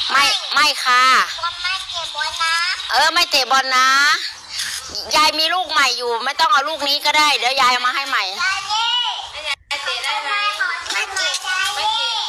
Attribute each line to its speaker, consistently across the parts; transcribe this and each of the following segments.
Speaker 1: ไม่ค่ะ
Speaker 2: ไม่เก็บบอลนะ
Speaker 1: ไม่เตะบอลนะยายมีลูกใหม่อยู่ไม่ต้องเอาลูกนี้ก็ได้เดี๋ยวยายเอามาให้ใหม่
Speaker 2: ยายเตะได้ไหมไม่เตะไม่เตะ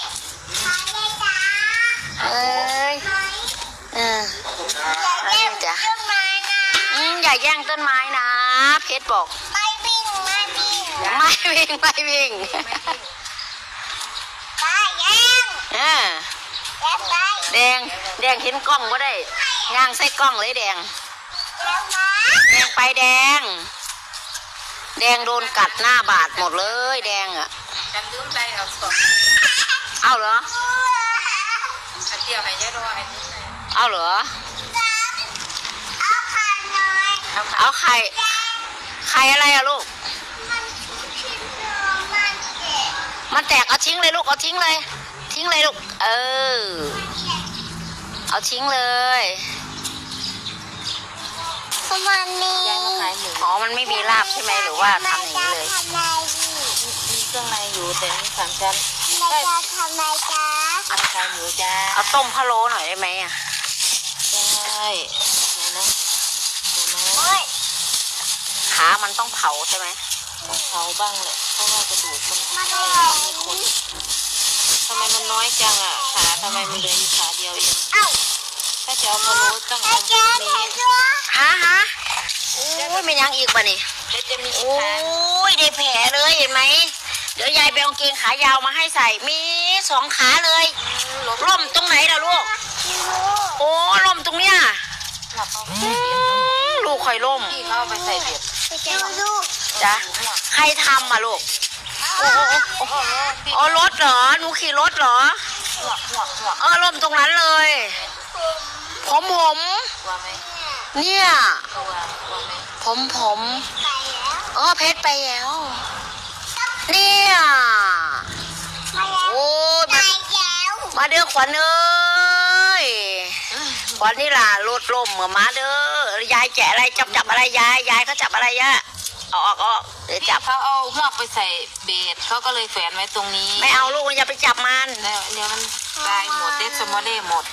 Speaker 1: จ้ะอย่าแย่งต้นไม้นะเพชรบอก
Speaker 2: ไม่วิ่ง
Speaker 1: ไม่วิ่งไปแย่งแดงเห็นกล้องก็ได้ย่างใส่กล้องเลยแดงไปแดงโดนกัดหน้าบาดหมดเลยแดงอ่ะ
Speaker 3: จำลืมใจเอาสอง
Speaker 1: เอาเหรอ
Speaker 3: เดียวให้ยายรอให้
Speaker 1: เอาเหรอเอาไข่อะไรอะลูกมันแตกเอาทิ้งเลยลูกเอาทิ้งเลยลูกเอาทิ้งเลย
Speaker 2: มันมี
Speaker 1: มันไม่มีลาบใช่ไหมหรือว่าทำอย่างนี้เลย
Speaker 3: มีเครื่องในอยู่แต่มีสามชั้น
Speaker 2: ใช่ทำไมจ๊ะ
Speaker 3: เอาไข่หมูจ้า
Speaker 1: เอาต้มพะโล้หน่อยได้ไหมอ่ะ
Speaker 3: ได้นะ
Speaker 1: ขามันต้องเผาใช่ไหม
Speaker 3: ต้องเผาบ้างแหละเพราะว่ากระดูกมันมีคนทำไมมันน้อยจังอ่ะขาทำไมมันเหลืออยู่ขาเดียวเองถ้าจะเอาพะโล้ต้องเอานี้
Speaker 1: ฮะโอ้ยไม่ยังอีกป่ะนี่โอ้ยได้แผลเลยเห็นไหมเดี๋ยวยายไปเอาเกงขายาวมาให้ใส่มี2 ขาเลยล่มตรงไหนล่ะลูกโอ้ล่มตรงเนี้ยลูกคอยล่ม
Speaker 3: พี่เขาไปใส่เบียด
Speaker 1: จ้ะใครทำอ่ะลูกโอ้รถเหรอหนูขี่รถเหรอล่มตรงนั้นเลยผมเนี่ยผมเพชรไปแล้วเนี่ยโอ้มาเด้อขวัญเอ้ยขวัญนี่ล่ะรถล่มเหมือนมาเด้อยายแกะอะไรจับอะไรยายเขาจับอะไรยะออกเดี๋ยวจับ
Speaker 3: เขาเอาหอกไปใส่เบ็ดเขาก็เลยแฝนไว้ตรงนี้
Speaker 1: ไม่เอาลูกอย่าไปจับมัน
Speaker 3: เดี๋ยวมันตายหมดเด็ดสมอเล่หมด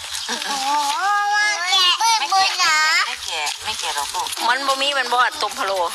Speaker 3: ไม่แก่หรอกลูก
Speaker 1: มันบ่มีมันบ่ตุ่มพะโล้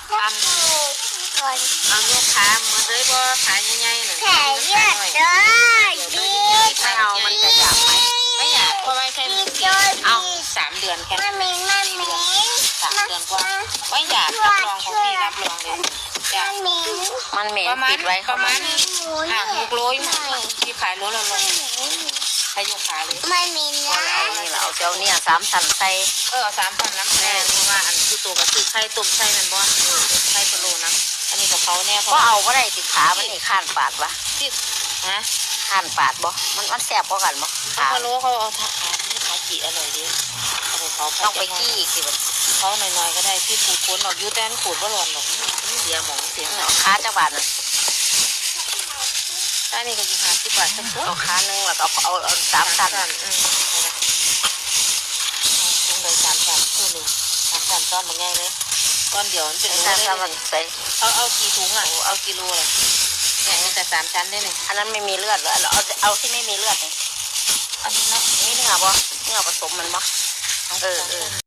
Speaker 3: เอาเลือดขาเหมือนเลยบ่ขาใหญ่ๆหนึ่ง
Speaker 2: แผลเลือดเลย
Speaker 1: ไม่เอามันจะอยากไหม
Speaker 3: ไม่อยากเพราะว่าแค่เอา3 เดือนแค่3 เดือนกว่าไม่อยากรับรองของพี่รับรองเลยจ้ะ
Speaker 1: มันเหม็นปิดไว้
Speaker 3: ประมาณ6 โลที่ขายโลละใครยกขาเลย
Speaker 2: ไม่มีนะ
Speaker 1: นี่เราเอาเนี่ย3 ชั้นใส่
Speaker 3: 3 ชั้นน้ำแน่เพราะว่าอันคือตัวกับคือไข่ต้มไข่นั่นบ่ไข่พะโล้นะอันนี้กับเขาเนี่ย
Speaker 1: ก็เอาก็ได้ติดขามันนี่ข้านปาดวะ
Speaker 3: ติด
Speaker 1: ข้านปาดบ่มันแสบกว่ากันบ่
Speaker 3: พะโล้เขาเอาขาจีอร่อยดีเขา
Speaker 1: ต้องไปกี้อีกสิ
Speaker 3: เขาหน่อยๆก็ได้พี่ขูดคนออกยูแตนขูดว่าหล่อนหรอกเสียหมองเสีย
Speaker 1: ขาจังหวัดน่ะ
Speaker 3: ถ้านี่ก็อยู่50 บาทสักตัว
Speaker 1: เอาขาหนึ่งแล้วก็เอา3 ชั้น
Speaker 3: ลงเลย3 ชั้นคือหนึ่ง3 ชั้นตอนมันง่ายเลยตอนเดียวมันเป็น
Speaker 1: โลเลยใส่
Speaker 3: เอากี่ถุงอ่ะเอากิโลเลยเนี่ยมีแต่3 ชั้นได้เลย
Speaker 1: อันนั้นไม่มีเลือดเหรอเอาที่ไม่มีเลือดนี่
Speaker 3: อันนี้นะ
Speaker 1: นี่เนื้อบ่เนื้อผสมมันบ่